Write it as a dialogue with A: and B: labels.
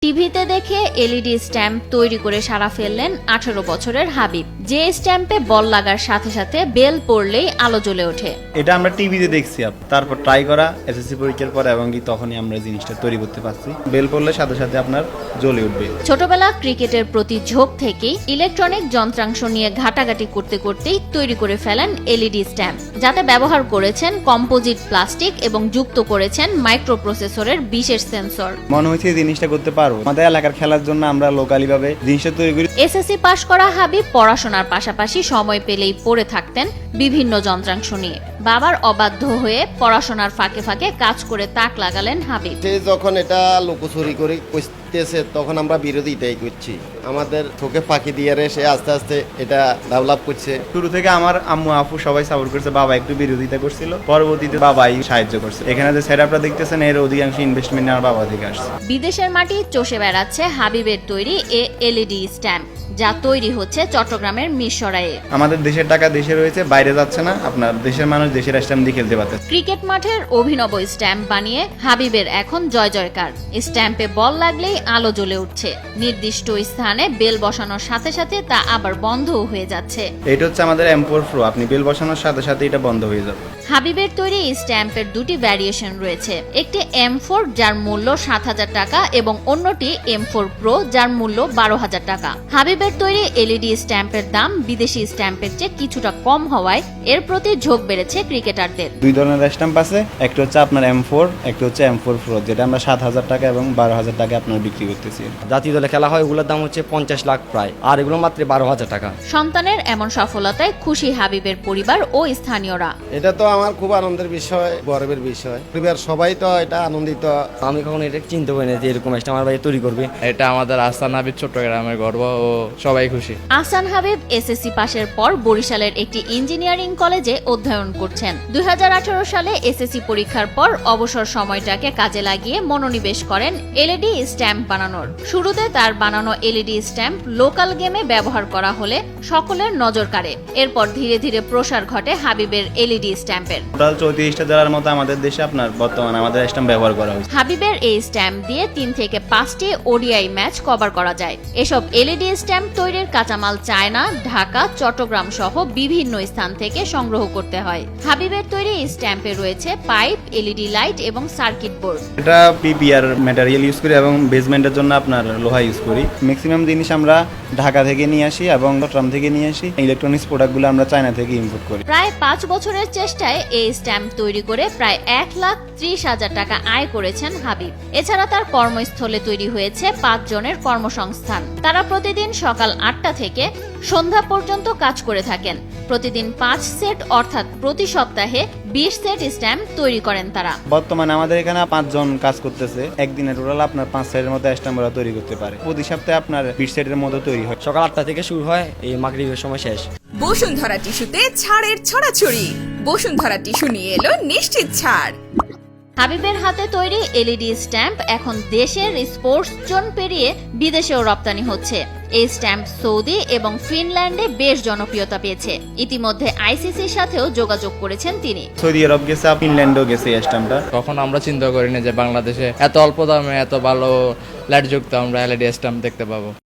A: টিভিতে দেখে LED stamp তৈরি করে সারা ফেললেন 18 বছরের হাবিব। যে স্ট্যাম্পে বল লাগার সাথে সাথে বেল পড়লেই আলো জ্বলে ওঠে।
B: এটা আমরা টিভিতে দেখছি, তারপর ট্রাই করা এসএসসি পরীক্ষার পর এবং তখনই আমরা জিনিসটা তৈরি করতে পারছি। বেল পড়লে সাথে সাথে আপনার জ্বলে উঠবে।
A: ছোটবেলা ক্রিকেটের প্রতি ঝোঁক থেকেই ইলেকট্রনিক যন্ত্রাংশ নিয়ে ঘাটাঘাটি করতে করতেই তৈরি করে ফেলেন এলইডি স্ট্যাম্প, যাতে ব্যবহার করেছেন কম্পোজিট প্লাস্টিক এবং যুক্ত করেছেন মাইক্রোপ্রসেসরের বিশেষ সেন্সর।
B: মনে হচ্ছে এই জিনিসটা করতে পারবো। আমাদের এলাকার খেলার জন্য আমরা লোকালি ভাবে জিনিসটা তৈরি করি।
A: এসএসসি পাশ করা হাবিব পড়াশোনার পাশাপাশি সময় পেলেই পড়ে থাকতেন বিভিন্ন যন্ত্রাংশ নিয়ে। বাবার অবাধ্য হয়ে পড়াশোনার ফাঁকে ফাঁকে কাজ করে তাক লাগালেন হাবিব।
C: যখন এটা লুকোচুরি করে করতেছে তখন আমরা বিরোধিতাই করছি। আমাদের চোখে ফাঁকি দিয়ে সে আস্তে আস্তে এটা ডেভেলপ করছে।
B: শুরু থেকে আমার আম্মু আপু সবাই সাপোর্ট করছে, বাবা একটু বিরোধিতা করছিল, পরবর্তীতে বাবাই সাহায্য করছে। এখানে যে সেটআপটা দেখতেছেন এর অধিকাংশ ইনভেস্টমেন্ট আমার বাবা থেকে আসছে।
A: বিদেশের মাটি চষে বেড়াচ্ছে হাবিবের তৈরি এলইডি স্ট্যাম্প, যা তৈরি হচ্ছে চট্টগ্রামের মিরসরাইয়ে।
B: আমাদের দেশের টাকা দেশে রয়েছে, বাইরে যাচ্ছে না। আপনার দেশের মানুষ দেশের স্ট্যাম্প দিয়ে খেলতে পারতেছে।
A: ক্রিকেট মাঠের অভিনব স্ট্যাম্প বানিয়ে হাবিবের এখন জয় জয়কার। স্ট্যাম্পে বল লাগলেই আলো জ্বলে উঠছে। নির্দিষ্ট স্থানে বেল বসানোর সাথে সাথে তা আবার বন্ধও হয়ে যাচ্ছে।
B: এটা হচ্ছে আমাদের M4 Pro। আপনি বেল বসানোর সাথে সাথে এটা বন্ধ হয়ে যাবে।
A: হাবিবের তৈরি স্ট্যাম্পের দুটি ভ্যারিয়েশন রয়েছে, একটি M4 যার মূল্য 7,000 টাকা এবং অন্যটি M4 Pro যার মূল্য 12,000 টাকা। হাবিবের তৈরি এলইডি স্ট্যাম্পের দাম বিদেশি স্ট্যাম্পের চেয়ে কিছুটা কম হওয়ায় এর প্রতি ঝোঁক বেড়েছে ক্রিকেটারদের।
B: দুই ধরনের স্ট্যাম্প আছে, একটা হচ্ছে আপনার M4, একটা হচ্ছে M4 Pro, যেটা আমরা 7,000 টাকা এবং 12,000 টাকা আপনার বিক্রি করতেছি।
D: জাতীয় দলে খেলা হয় ওগুলোর দাম হচ্ছে 50 লাখ প্রায়, আর এগুলো মাত্র 12,000 টাকা।
A: সন্তানের এমন সফলতায় খুশি হাবিবের পরিবার ও স্থানীয়রা।
C: এটা তো আমার খুব আনন্দের বিষয়, গর্বের বিষয়। পরিবার সবাই তো এটা আনন্দিত।
D: আমি কখনো এটা চিন্তা করি না যে এরকম একটা আমার ভাই তৈরি করবে।
E: এটা আমাদের আহসান হাবিব চট্টগ্রামের গর্ব ও সবাই খুশি।
A: আহসান হাবিব এসএসসি পাশের পর বরিশালের একটি ইঞ্জিনিয়ারিং কলেজে অধ্যয়ন করছেন। 2018 সালে এসএসসি পরীক্ষার পর অবসর সময়টাকে কাজে লাগিয়ে মনোনিবেশ করেন এলইডি স্ট্যাম্প বানানোর। শুরুতে তার বানানো এলইডি স্ট্যাম্প লোকাল গেমে ব্যবহার করা হলে সকলের নজর কাড়ে। এরপর ধীরে ধীরে প্রসার ঘটে হাবিবের এলইডি স্ট্যাম্পের।
B: টোটাল 34টা জেলার মতো আমাদের দেশে আপনার বর্তমানে আমাদের স্ট্যাম্প ব্যবহার করা হচ্ছে।
A: হাবিবের এই স্ট্যাম্প দিয়ে 3 থেকে 5টি ওডিআই ম্যাচ কভার করা যায়। এসব এলইডি স্ট্যাম্প তৈরির কাঁচামাল চায়না, ঢাকা, চট্টগ্রাম সহ বিভিন্ন স্থান থেকে সংগ্রহ করতে হয়। হাবিবের তৈরি স্ট্যাম্পে রয়েছে পাইপ, এলইডি লাইট এবং সার্কিট বোর্ড।
B: এটা পিপিআর ম্যাটেরিয়াল ইউজ করি এবং বেসমেন্টের জন্য আপনার লোহা ইউজ করি। ম্যাক্সিমাম জিনিস আমরা ঢাকা থেকে নিয়ে আসি এবং চট্টগ্রাম থেকে নিয়ে আসি। ইলেকট্রনিক্স প্রোডাক্টগুলো আমরা চায়না থেকে ইম্পোর্ট করি।
A: প্রায় 5 বছরের চেষ্টায় এই স্ট্যাম্প তৈরি করে প্রায় 1,30,000 টাকা আয় করেছেন হাবিব। এছাড়া তার কর্মস্থলে তৈরি হয়েছে 5 জনের কর্মসংস্থান। তারা প্রতিদিন সকাল 8টা থেকে সন্ধ্যা পর্যন্ত কাজ করে থাকেন। প্রতিদিন 5 সেট অর্থাৎ প্রতি সপ্তাহে 20 সেট স্ট্যাম্প তৈরি করেন তারা।
B: বর্তমানে আমাদের এখানে 5 জন কাজ করতেছে। একদিনে টোটাল আপনার 5 সেটের মতো স্ট্যাম্প ওরা তৈরি করতে পারে। প্রতি সপ্তাহে আপনার 20 সেটের মতো তৈরি হয়।
D: সকাল 8টা থেকে শুরু হয়, এই মাগরিবের সময় শেষ।
F: বসুন্ধরা টিস্যুতে ছাড়ের ছড়াছড়ি। বসুন্ধরা টিস্যু নিয়ে এলো নিশ্চিত ছাড়।
A: হাবিবের হাতে তৈরি এলইডি স্ট্যাম্প এখন দেশের স্পোর্টস জোন পেরিয়ে বিদেশেও রপ্তানি হচ্ছে। এই স্ট্যাম্প সৌদি এবং ফিনল্যান্ডে বেশ জনপ্রিয়তা পেয়েছে। ইতিমধ্যে আইসিসির সাথেও যোগাযোগ করেছেন তিনি।
B: সৌদি আরব গেছে, ফিনল্যান্ডও গেছে এই স্ট্যাম্পটা।
E: কখন আমরা চিন্তা করিনি যে বাংলাদেশে এত অল্প দামে এত ভালো লাইটযুক্ত আমরা এলইডি স্ট্যাম্প দেখতে পাবো।